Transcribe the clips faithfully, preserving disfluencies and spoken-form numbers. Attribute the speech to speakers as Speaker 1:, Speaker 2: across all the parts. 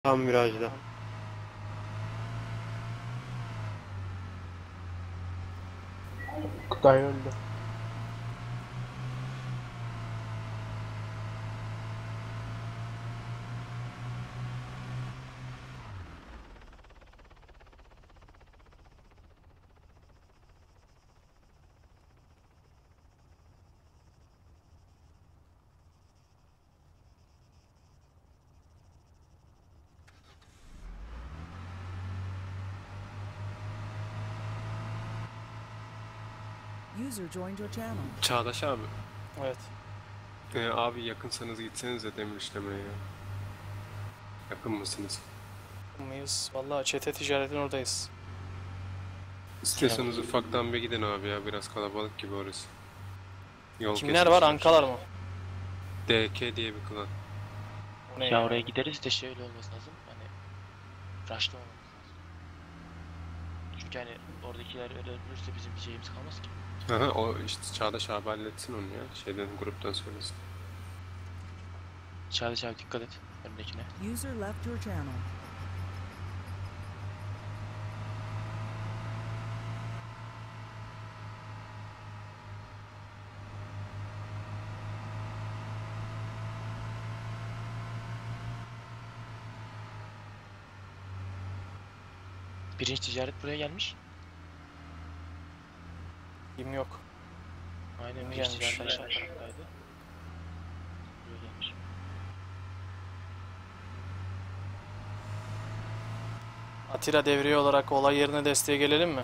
Speaker 1: Tam virajda.
Speaker 2: Kutay öldü.
Speaker 3: User joined your channel.
Speaker 4: Çağdaş abi.
Speaker 5: Evet.
Speaker 4: Ee, abi yakınsanız gitsenize demir işlemeye ya. Yakın mısınız?
Speaker 5: Mıyız? Vallahi çete ticaretin oradayız.
Speaker 4: İstiyorsanız ufaktan bir gidin abi ya. Biraz kalabalık gibi orası. Yol
Speaker 5: Kimler var? Ankalar mı?
Speaker 4: D K diye bir klan.
Speaker 5: O ne
Speaker 6: Ya
Speaker 5: ya?
Speaker 6: oraya gideriz de şöyle olması lazım. Hani rushlamamamız lazım. Çünkü hani oradakiler öyle ölürse bizim bir şeyimiz kalmaz ki.
Speaker 4: Aha, o işte Çağdaş abi halletsin onu ya. Şeyden, gruptan söylesin.
Speaker 6: Çağdaş abi dikkat et önündekine.
Speaker 3: User left your channel.
Speaker 6: Birinci ticaret buraya gelmiş.
Speaker 5: Kim yok.
Speaker 6: Aynen
Speaker 5: Yeni
Speaker 6: birinci
Speaker 5: gelmiş.
Speaker 6: ticaret aşağı taraftaydı. Buraya gelmiş.
Speaker 5: Atilla devriye olarak olay yerine desteğe gelelim mi?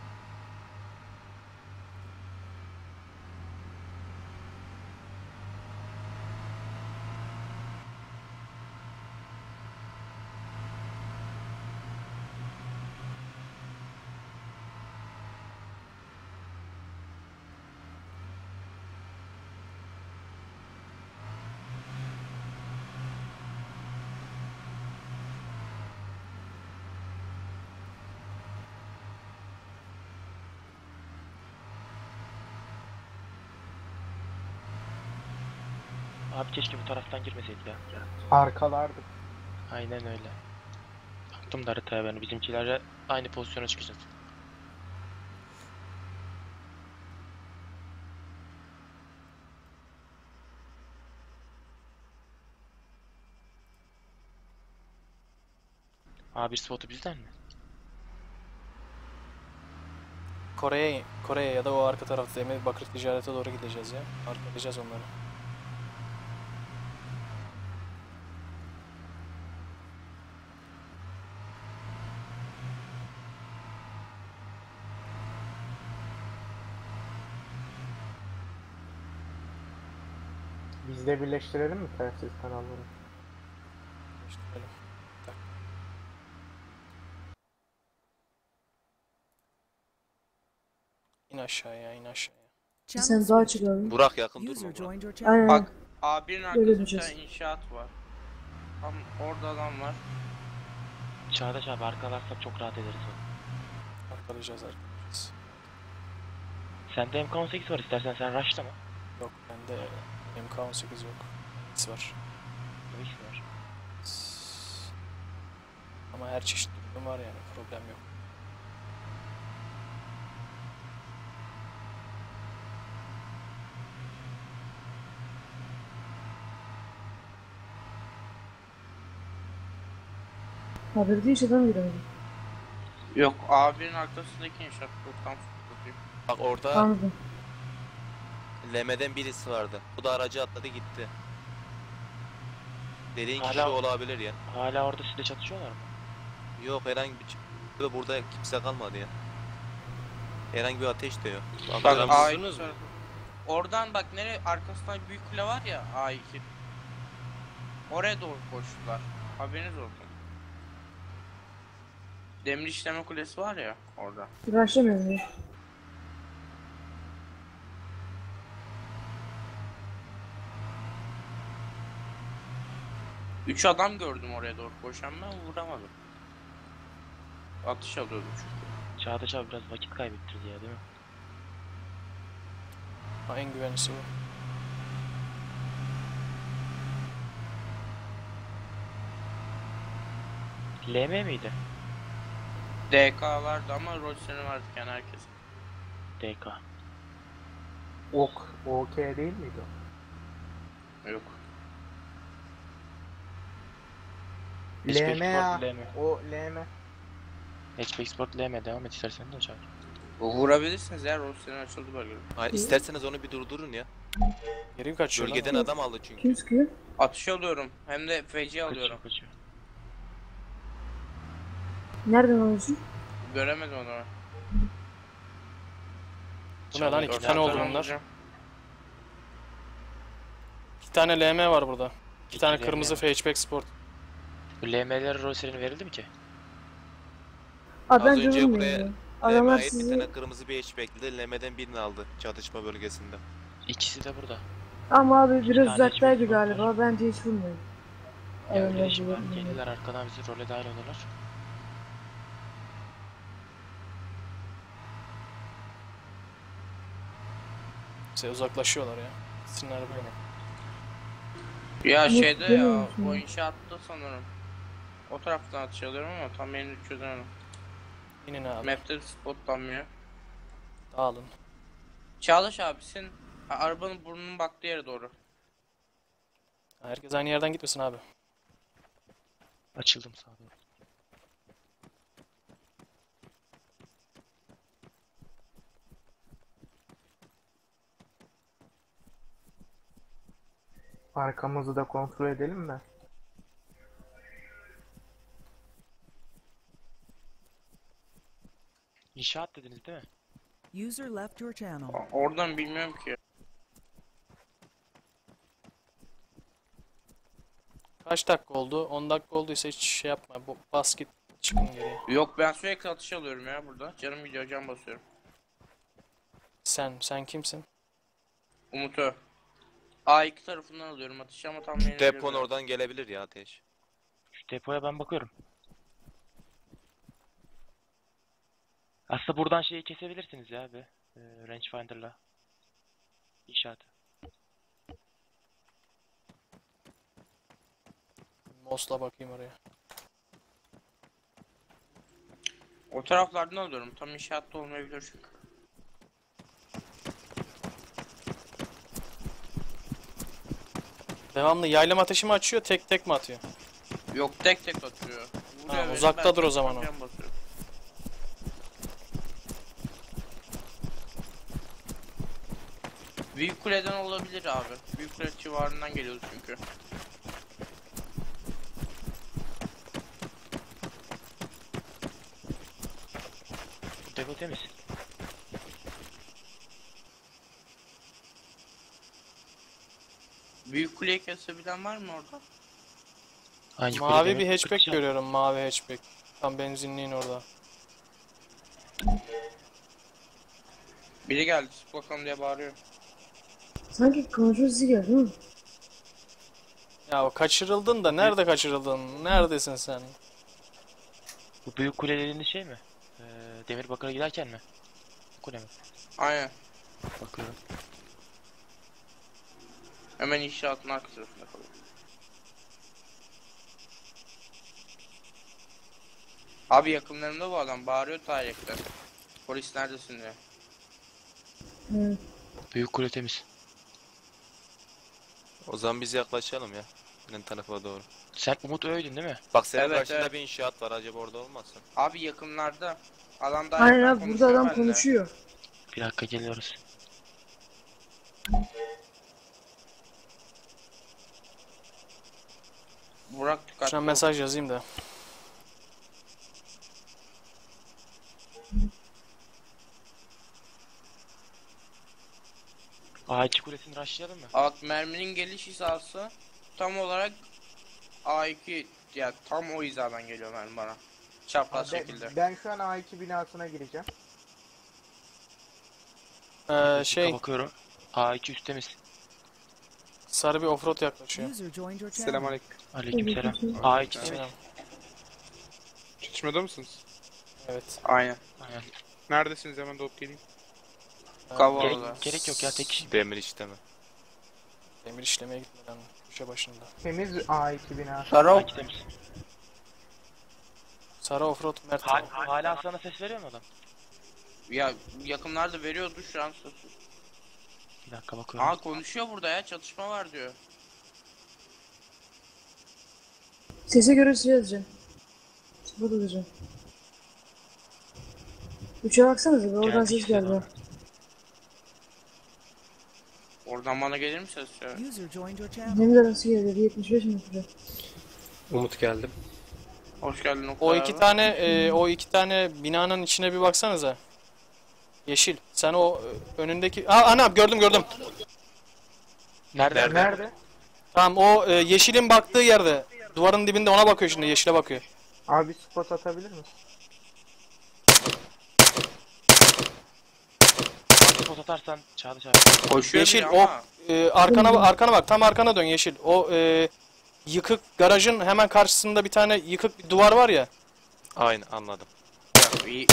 Speaker 6: Abi keşke bu taraftan girmeseydik ya.
Speaker 2: Arkalardık.
Speaker 6: Aynen öyle. Baktım da haritaya ben bizimkilerle aynı pozisyona çıkacağız. A bir spotu bizden mi?
Speaker 5: Kore'ye Kore'ye ya da o arka tarafta Demir Bakır ticarete doğru gideceğiz ya. Arkalayacağız onları.
Speaker 2: Biz de birleştirelim mi telsiz kanalları?
Speaker 5: İşte böyle. Tak. İn aşağıya, in aşağıya.
Speaker 3: Channel
Speaker 7: Sen daha
Speaker 3: switched.
Speaker 7: çıkardın.
Speaker 8: Burak yakın
Speaker 3: User
Speaker 8: durma Burak.
Speaker 3: joined your channel.
Speaker 7: Aynen.
Speaker 2: Bak A bir'in
Speaker 7: Böyle
Speaker 2: arkasında
Speaker 7: düşeceğiz.
Speaker 2: inşaat var. Tam orada adam var.
Speaker 6: Çağdaş abi arkalarsak çok rahat ederiz onu.
Speaker 5: Arkalayacağız, arkalayacağız.
Speaker 6: Sende M K on sekiz var, istersen sen rushlama.
Speaker 5: Yok, bende M K on sekiz yok. X var.
Speaker 6: Ne iş var?
Speaker 5: Ama her çeşit ürün var yani, problem yok.
Speaker 7: Haberde hiç adam giremedim.
Speaker 2: Yok A bir'in arkasındaki inşaat. Buradan tutayım.
Speaker 8: Bak orada
Speaker 7: Anladım.
Speaker 8: Leme'den birisi vardı. Bu da aracı atladı gitti. Dediğin kişi
Speaker 6: Hala-
Speaker 8: olabilir ya.
Speaker 6: Hala orada sizle çatışıyorlar mı?
Speaker 8: Yok herhangi bir ç- burada kimse kalmadı ya. Herhangi bir ateş de yok.
Speaker 2: Bak
Speaker 8: Bakıyorum.
Speaker 2: A iki tarafı. Oradan bak nereye arkasından büyük kule var ya A iki. Oraya doğru koştular. Haberiniz olsun. Demir işleme kulesi var ya orada.
Speaker 7: Uğraşamıyorum ya.
Speaker 2: Üç adam gördüm oraya doğru koşan, ben vuramadım. Atış alıyordu çünkü.
Speaker 6: Çağdaş abi biraz vakit kaybettirdi ya, değil mi?
Speaker 5: Ha, en güvenlisi bu.
Speaker 6: L M miydi?
Speaker 2: D K vardı ama Roadster'ın vardı yani herkes.
Speaker 6: D K.
Speaker 1: Ok, OK değil miydi o?
Speaker 2: Yok.
Speaker 6: Hatchback
Speaker 1: L M ya.
Speaker 6: Sport L M.
Speaker 1: O L M.
Speaker 6: Hatchback Sport L M devam et istersen de çağır.
Speaker 2: Vurabilirsiniz ya, Roadster'ın açıldı bölgede.
Speaker 8: Hayır, isterseniz onu bir durdurun ya.
Speaker 5: Geri mi kaçıyor lan?
Speaker 8: Bölgeden adam aldı çünkü.
Speaker 7: Kim sıkıyor?
Speaker 2: Atış alıyorum hem de feci alıyorum.
Speaker 6: Kaçıyor kaçıyor.
Speaker 7: Nereden alıyorsun?
Speaker 2: Göremedim onu.
Speaker 5: Bu ne lan? İki
Speaker 2: Oradan
Speaker 5: tane oldu
Speaker 2: sonra
Speaker 5: bunlar.
Speaker 2: vuracağım.
Speaker 5: İki tane L M var burada. İki tane
Speaker 6: L M
Speaker 5: kırmızı
Speaker 6: var.
Speaker 5: hatchback sport.
Speaker 6: Bu L M'ler Roadster'in verildi mi ki?
Speaker 7: Aa
Speaker 8: Az
Speaker 7: ben
Speaker 8: önce
Speaker 7: görmüyorum
Speaker 8: buraya
Speaker 7: ya.
Speaker 8: L M'ye
Speaker 7: Adamlar
Speaker 8: ait bir
Speaker 7: sizi...
Speaker 8: tane kırmızı bir hatchback'li L M'den birini aldı çatışma bölgesinde.
Speaker 6: İkisi de burada.
Speaker 7: Ama abi biraz
Speaker 6: tane
Speaker 7: uzaktaydı
Speaker 6: hiçbir
Speaker 7: galiba. Bence hiç vurmuyor.
Speaker 6: Ya
Speaker 7: Evet,
Speaker 6: öyle şimdi
Speaker 7: evet.
Speaker 6: gelirler arkadan bizi role dahil olurlar.
Speaker 5: Şey, uzaklaşıyorlar ya. Sinirler böyle.
Speaker 2: Ya
Speaker 7: Yok,
Speaker 2: şeyde ya,
Speaker 7: görmüyorum şimdi.
Speaker 2: o inşaatta sanırım. O taraftan atış alıyorum ama tam yerini çözemedim.
Speaker 5: İnin abi.
Speaker 2: Map'te spotlanmıyor.
Speaker 5: Dağılın.
Speaker 2: Çağdaş abisin arabanın burnunun baktığı yere doğru.
Speaker 5: Herkes aynı yerden gitmesin abi.
Speaker 6: Açıldım sağa doğru.
Speaker 1: Arkamızı da kontrol edelim mi?
Speaker 6: İnşaat dediniz değil mi?
Speaker 3: User left your channel.
Speaker 2: O- Oradan bilmiyorum ki.
Speaker 5: Kaç dakika oldu? on dakika olduysa hiç şey yapma. Bu- Bas git. Çıkın geriye.
Speaker 2: Yok ben sürekli atış alıyorum ya burada. Canım gidiyor, can basıyorum.
Speaker 5: Sen, sen kimsin?
Speaker 2: Umut'u. A iki tarafından alıyorum atışı ama tam yerini
Speaker 8: Depon
Speaker 2: bilemiyorum.
Speaker 8: oradan gelebilir ya ateş.
Speaker 6: Şu depoya ben bakıyorum. Aslında buradan şeyi kesebilirsiniz ya abi. Ee, rangefinder'la. İnşaatı.
Speaker 5: Mos'la bakayım oraya.
Speaker 2: O taraflardan alıyorum. Tam inşaatta olmayabilir çünkü.
Speaker 5: Devamlı yaylım ateşi mi açıyor, tek tek mi atıyor?
Speaker 2: Yok tek tek atıyor.
Speaker 5: Tamam,
Speaker 2: beni,
Speaker 5: uzaktadır
Speaker 2: ben
Speaker 5: o zaman o.
Speaker 2: can basıyorum. Büyük kuleden olabilir abi. Büyük kule civarından geliyoruz çünkü.
Speaker 6: Bu depo temiz.
Speaker 2: Büyük kuleyi kesebilen var mı orada?
Speaker 6: Hangi
Speaker 5: Mavi
Speaker 6: kulede
Speaker 5: bir
Speaker 6: mi?
Speaker 5: hatchback
Speaker 6: Kırkçı.
Speaker 5: görüyorum, mavi hatchback. Tam benzinliğin orada.
Speaker 2: Biri geldi, sık bakalım diye bağırıyor.
Speaker 7: Sanki kontrol sizi geldi değil mi?
Speaker 5: Ya o kaçırıldın da nerede kaçırıldın? Neredesin sen?
Speaker 6: Bu büyük kule dediğiniz şey mi? Ee, Demirbakır'a giderken mi? Kule mi?
Speaker 2: Aynen.
Speaker 6: Bakıyorum.
Speaker 2: Hemen inşaatın arka tarafında kalıyor. Abi yakınlarında bu adam bağırıyor tarihte. Polis neredesin diye.
Speaker 7: Evet.
Speaker 6: Büyük kule temiz.
Speaker 8: O zaman biz yaklaşalım ya. Benim tarafa doğru.
Speaker 6: Sen Umut Öğüdün değil mi?
Speaker 8: Bak senin
Speaker 2: Evet,
Speaker 8: karşında
Speaker 2: evet.
Speaker 8: bir inşaat var, acaba orada olmasın?
Speaker 2: Abi yakınlarda. Adam daha
Speaker 7: Aynen
Speaker 2: yakın
Speaker 7: abi burada
Speaker 2: konuşuyor
Speaker 7: adam
Speaker 2: benimle.
Speaker 7: konuşuyor.
Speaker 6: Bir dakika geliyoruz.
Speaker 2: Burak dikkatli
Speaker 5: Şuna
Speaker 2: ol.
Speaker 5: mesaj yazayım da.
Speaker 6: A iki kulesini rushlayalım mı?
Speaker 2: Bak merminin geliş hizası tam olarak A iki, ya tam o hizadan geliyor mermi bana. Çapraz
Speaker 1: Ben,
Speaker 2: şekilde.
Speaker 1: ben şu an A iki binasına gireceğim.
Speaker 5: Ee, şey,
Speaker 6: Bakıyorum. A iki üst temiz.
Speaker 5: sarı bir offroad yaklaşıyor.
Speaker 3: User joined your channel.
Speaker 9: Selamünaleyküm.
Speaker 6: Aleykümselam.
Speaker 7: Aleykümselam.
Speaker 6: A iki temiz.
Speaker 5: Selam.
Speaker 9: Çatışmada mısınız?
Speaker 5: Evet.
Speaker 2: Aynen.
Speaker 6: Aynen.
Speaker 9: Neredesiniz, hemen doğup geleyim.
Speaker 2: Kavala.
Speaker 6: Gerek, gerek yok ya tek kişi.
Speaker 8: Demir işleme.
Speaker 5: Demir işlemeye gitmeden köşe başında.
Speaker 1: Temiz A iki binası.
Speaker 6: A
Speaker 2: Sarı
Speaker 6: iki temiz.
Speaker 5: Sarı offroad Mert.
Speaker 6: Hal, hala sana ses veriyor mu adam?
Speaker 2: Ya yakınlarda veriyordu şu an sesi.
Speaker 6: Bir dakika bakıyorum.
Speaker 2: Aa konuşuyor burada ya, çatışma var diyor.
Speaker 7: Sese göre şey yazacağım. Sıfır olacağım. Üçe baksanıza bir oradan
Speaker 6: Gelmiş
Speaker 7: ses
Speaker 6: işte
Speaker 7: geldi.
Speaker 6: bana.
Speaker 2: Oradan bana gelir mi ses ya?
Speaker 3: User joined your channel.
Speaker 7: Hem de nasıl geldi? yetmiş beş metre.
Speaker 4: Umut geldim.
Speaker 2: Hoş geldin Oktay
Speaker 5: O
Speaker 2: abi.
Speaker 5: iki tane e, o iki tane binanın içine bir baksanıza. Yeşil. Sen o e, önündeki... Aa ana gördüm gördüm.
Speaker 6: Nerede?
Speaker 1: Nerede?
Speaker 5: Tamam o e, yeşilin baktığı yerde. Duvarın dibinde ona bakıyor şimdi. Yeşile bakıyor.
Speaker 1: Abi spot atabilir misin?
Speaker 6: Spot atarsan Çağdaş abi.
Speaker 2: Koşuyor
Speaker 5: Yeşil
Speaker 2: biri
Speaker 5: o
Speaker 2: ama.
Speaker 5: e, arkana arkana bak. Tam arkana dön Yeşil. O e, yıkık garajın hemen karşısında bir tane yıkık bir duvar var ya.
Speaker 8: Aynen anladım.
Speaker 2: Ya, iyi.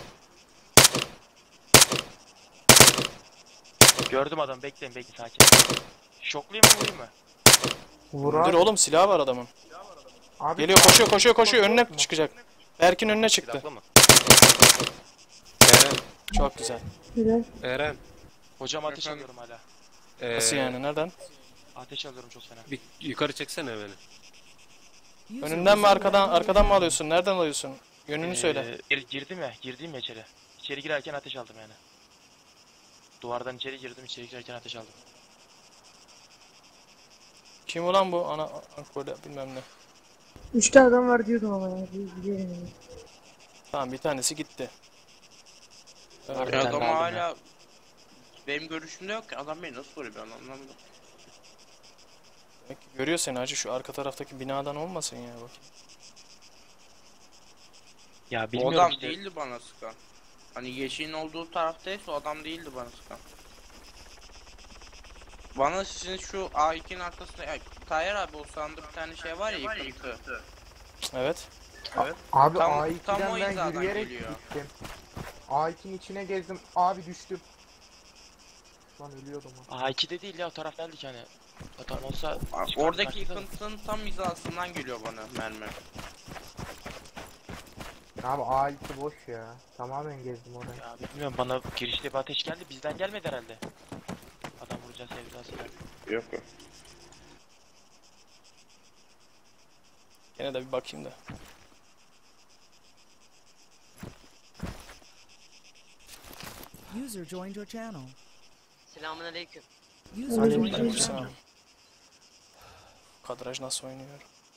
Speaker 6: Gördüm adamı, bekleyin bekleyin sakin. Şoklayayım mı vurayım mı?
Speaker 1: Vur
Speaker 5: Dur
Speaker 1: abi.
Speaker 5: oğlum silahı var adamın.
Speaker 1: Abi
Speaker 5: Geliyor koşuyor koşuyor koşuyor
Speaker 1: Yok
Speaker 5: önüne
Speaker 1: mu?
Speaker 5: çıkacak. Berk'in önüne
Speaker 8: Bir
Speaker 5: çıktı.
Speaker 8: dakika mı?
Speaker 4: Eren,
Speaker 5: Çok güzel.
Speaker 7: Helal.
Speaker 4: Eren.
Speaker 6: Hocam ateş
Speaker 9: Efendim?
Speaker 6: alıyorum hala.
Speaker 4: Ee,
Speaker 5: Nasıl yani nereden?
Speaker 6: Ateş alıyorum çok fena.
Speaker 4: Bir yukarı çeksene beni.
Speaker 3: User
Speaker 5: Önünden mi
Speaker 3: was
Speaker 5: arkadan
Speaker 3: left your
Speaker 5: arkadan mı
Speaker 3: channel.
Speaker 5: alıyorsun? Nereden alıyorsun? Yönünü söyle.
Speaker 6: Ee, gir- girdim ya, girdim ya içeri. İçeri girerken ateş aldım yani. Duvardan içeri girdim, içeri girerken ateş aldım.
Speaker 5: Kim ulan bu? Ana Ankola bilmem ne.
Speaker 7: Üçte adam var diyordum ama ya. Bir- Biliyorum yani.
Speaker 5: Tamam bir tanesi gitti.
Speaker 6: Var
Speaker 5: Evet.
Speaker 6: bir
Speaker 2: Ya
Speaker 6: tane
Speaker 2: adam
Speaker 6: daha aldım
Speaker 2: hala benim görüşümde yok ki, adam beni nasıl vuruyor ben anlamadım.
Speaker 5: Demek ki görüyor seni hacı, şu arka taraftaki binadan olmasın ya bak.
Speaker 6: Ya
Speaker 2: O
Speaker 6: bilmiyorum
Speaker 2: adam
Speaker 6: işte.
Speaker 2: değildi bana sıkan. Hani yeşilin olduğu taraftaysa o adam değildi bana sıkan. Bana sizin şu A ikinin arkasında, ya, Tayyar abi o sağında bir tane şey var ya, yıkıntı.
Speaker 5: Evet.
Speaker 1: Abi
Speaker 2: Tam-
Speaker 1: A
Speaker 2: tam o
Speaker 1: iki'den ben
Speaker 2: hizadan
Speaker 1: yürüyerek
Speaker 2: geliyor.
Speaker 1: gittim. A iki'nin içine gezdim. Abi düştüm. Lan ölüyordum ha.
Speaker 6: A iki'de değil ya, o taraf geldik yani. Adam olsa
Speaker 2: Aa,
Speaker 6: çıkar
Speaker 2: Oradaki
Speaker 6: karşıda.
Speaker 2: yıkıntının tam hizasından geliyor bana mermi.
Speaker 1: Abi A iki boş ya. Tamamen gezdim orayı.
Speaker 6: Ya bilmiyorum, bana girişte bir ateş geldi, bizden gelmedi herhalde. Adam vuracağız sevdasıyla.
Speaker 2: Yok yok.
Speaker 5: Gene de bir bakayım da.
Speaker 3: User joined your channel.
Speaker 10: Selamünaleyküm.
Speaker 3: User
Speaker 1: Aleyküm
Speaker 3: joined your
Speaker 1: selam.
Speaker 5: Sağ
Speaker 3: channel.
Speaker 5: ol. Kadraj nasıl oynuyor?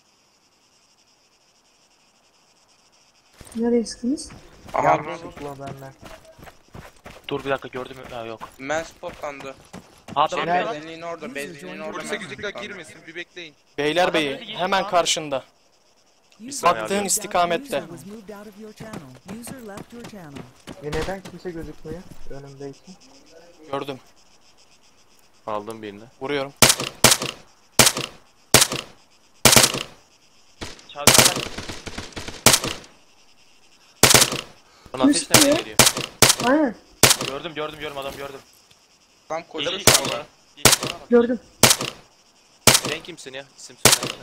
Speaker 7: Nereye sıktınız?
Speaker 2: Aha,
Speaker 1: Yanlışlıkla benden.
Speaker 6: Dur bir dakika, gördüm mü? Ha yok.
Speaker 2: men spotlandı.
Speaker 6: Adam
Speaker 2: Şey,
Speaker 1: Nerede?
Speaker 6: lan.
Speaker 2: benzinliğin orada, benzinliğin orada.
Speaker 9: Polise
Speaker 2: men
Speaker 9: güzükle
Speaker 2: spotlandı.
Speaker 9: girmesin bir bekleyin.
Speaker 5: Beylerbeyi
Speaker 6: Adam dedi,
Speaker 5: hemen
Speaker 6: abi.
Speaker 5: karşında.
Speaker 3: User
Speaker 8: saniye
Speaker 3: was
Speaker 5: Baktığın
Speaker 3: moved out-
Speaker 5: istikamette.
Speaker 3: User was moved out of your channel. User left your channel.
Speaker 1: E neden kimse gözükmüyor önümdeyken?
Speaker 5: Gördüm.
Speaker 8: Aldım birini.
Speaker 5: Vuruyorum.
Speaker 6: Çağdaş
Speaker 8: Lan ateş
Speaker 7: Üstü
Speaker 8: nereden
Speaker 7: ya.
Speaker 8: geliyor?
Speaker 7: Aynen.
Speaker 6: gördüm gördüm gördüm adam gördüm.
Speaker 2: Tam koşuyor
Speaker 6: Yeşil
Speaker 2: sağda.
Speaker 6: bana. Yeşil bana bak.
Speaker 7: Gördüm.
Speaker 8: Sen kimsin ya? İsim söylesene.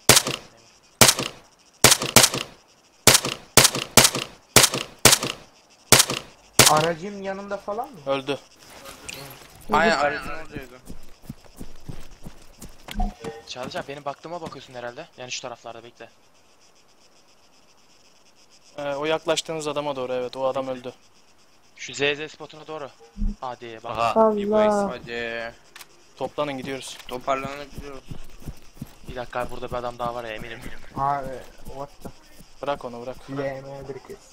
Speaker 1: Aracın yanında falan mı?
Speaker 5: Öldü.
Speaker 2: Aynen aracın oradaydı.
Speaker 6: Çağdaş abi, benim baktığıma bakıyorsun herhalde. Yani şu taraflarda bekle.
Speaker 5: Ee, o yaklaştığınız adama doğru, evet o adam öldü.
Speaker 6: Şu Z Z spotuna doğru. Hadi bak.
Speaker 8: Aha. bir bu eksik.
Speaker 7: Allah.
Speaker 2: Hadi
Speaker 5: Toplanın gidiyoruz.
Speaker 2: toparlanabiliyoruz.
Speaker 6: Bir dakika abi, burada bir adam daha var ya, eminim.
Speaker 1: Abi what the
Speaker 5: Bırak onu bırak.
Speaker 1: L M bir kez.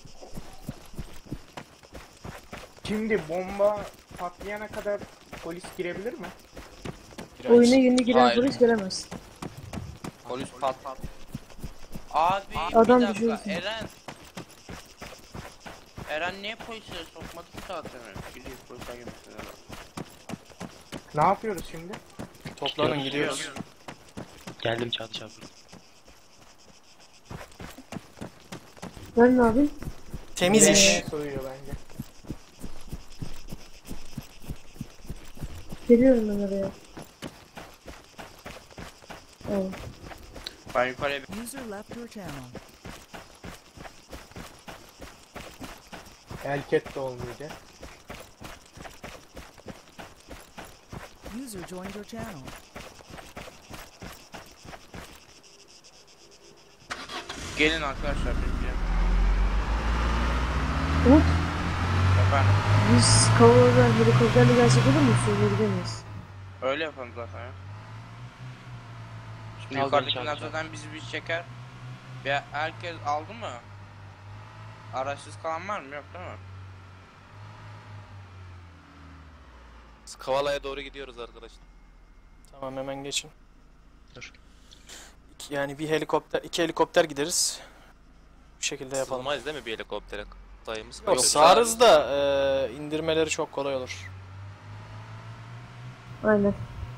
Speaker 1: Şimdi bomba patlayana kadar polis girebilir mi?
Speaker 5: Giremeyiz.
Speaker 7: Oyuna yeni giren
Speaker 2: Hayır.
Speaker 7: polis gelemez.
Speaker 2: Polis pat. Abi
Speaker 7: Adam
Speaker 2: bir dakika,
Speaker 7: düşüyorsun.
Speaker 2: Eren. Eren niye polise sokmadı ki zaten? Gidiyor polise girmesin Eren.
Speaker 1: Ne yapıyoruz şimdi?
Speaker 5: Toplanın gidiyoruz.
Speaker 6: Geldim Çağdaş abi.
Speaker 7: Ben ne yapayım?
Speaker 5: Temiz
Speaker 1: L M
Speaker 5: iş.
Speaker 1: soyuyor bence.
Speaker 7: Geliyorum ben oraya. Evet.
Speaker 2: Ben yukarıya
Speaker 3: User left your channel.
Speaker 1: Elket de olmayacak.
Speaker 3: User joined your channel.
Speaker 2: Gelin arkadaşlar birbirine.
Speaker 7: Umut,
Speaker 2: Efendim.
Speaker 7: biz Kavala'dan helikopterle gelsek olur mu? Suya gidemeyiz.
Speaker 2: Öyle yapalım zaten ya. Şimdi
Speaker 6: Al
Speaker 2: yukarıdakiler
Speaker 6: beni çağır,
Speaker 2: zaten bizi bir çeker. Ve herkes aldı mı? Araçsız kalan var mı? Yok değil mi?
Speaker 8: Biz Kavala'ya doğru gidiyoruz arkadaşlar.
Speaker 5: Tamam hemen geçin.
Speaker 6: Dur.
Speaker 5: İki- yani bir helikopter, iki helikopter gideriz. Bu şekilde yapalım.
Speaker 8: Sığmayız değil mi bir helikoptere? Sayımız
Speaker 5: Yok
Speaker 8: kaç?
Speaker 5: sağırız da e, indirmeleri çok kolay olur.
Speaker 7: Aynen.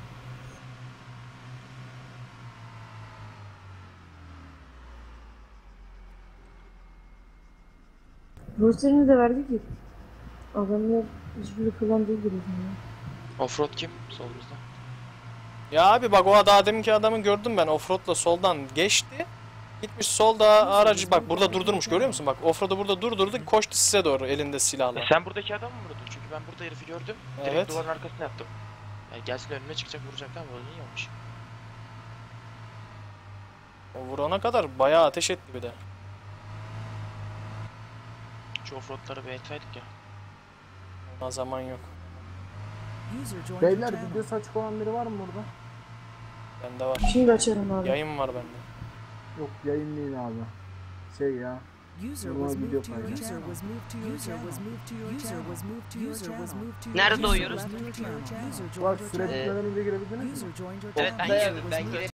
Speaker 7: Roster'ini de verdik ki. Adamlar hiçbiri kullandığı gibi. Yani.
Speaker 6: Offroad kim? Solumuzda.
Speaker 5: Ya abi bak o daha deminki adamı gördüm ben offroad'la soldan geçti. Gitmiş solda aracı bak burada durdurmuş görüyor musun? Bak offroad'u burada durdurdu koştu size doğru elinde silahla.
Speaker 6: E sen buradaki adamı mı vurdun? Çünkü ben burada herifi gördüm. Direkt
Speaker 5: Evet.
Speaker 6: duvarın arkasına yattım. Yani gelsin önüne çıkacak vuracaklar ama öyle iyi olmuş.
Speaker 5: O vurana kadar bayağı ateş etti bir de.
Speaker 6: Şu offroadları bir etsaydık ya.
Speaker 5: Ona zaman yok.
Speaker 3: User joined your
Speaker 1: Beyler
Speaker 3: channel.
Speaker 1: videosu açık olan biri var mı burada?
Speaker 5: Bende var.
Speaker 7: Şimdi açarım abi.
Speaker 5: Yayın var bende.
Speaker 1: Yok yayın değil abi. Şey ya.
Speaker 3: User
Speaker 1: Normal
Speaker 3: was
Speaker 1: video
Speaker 3: moved to your
Speaker 1: paylaş.
Speaker 3: user was moved to your user was moved to your user was moved to your user was moved to your
Speaker 10: Nerede
Speaker 3: user
Speaker 10: doğuyoruz?
Speaker 3: left your channel. User
Speaker 1: Bak
Speaker 3: joined your
Speaker 1: süre
Speaker 3: channel.
Speaker 1: bitmeden önce girebildiniz mi?
Speaker 3: User joined your
Speaker 10: Evet ben
Speaker 3: channel.
Speaker 10: girdim ben girdim.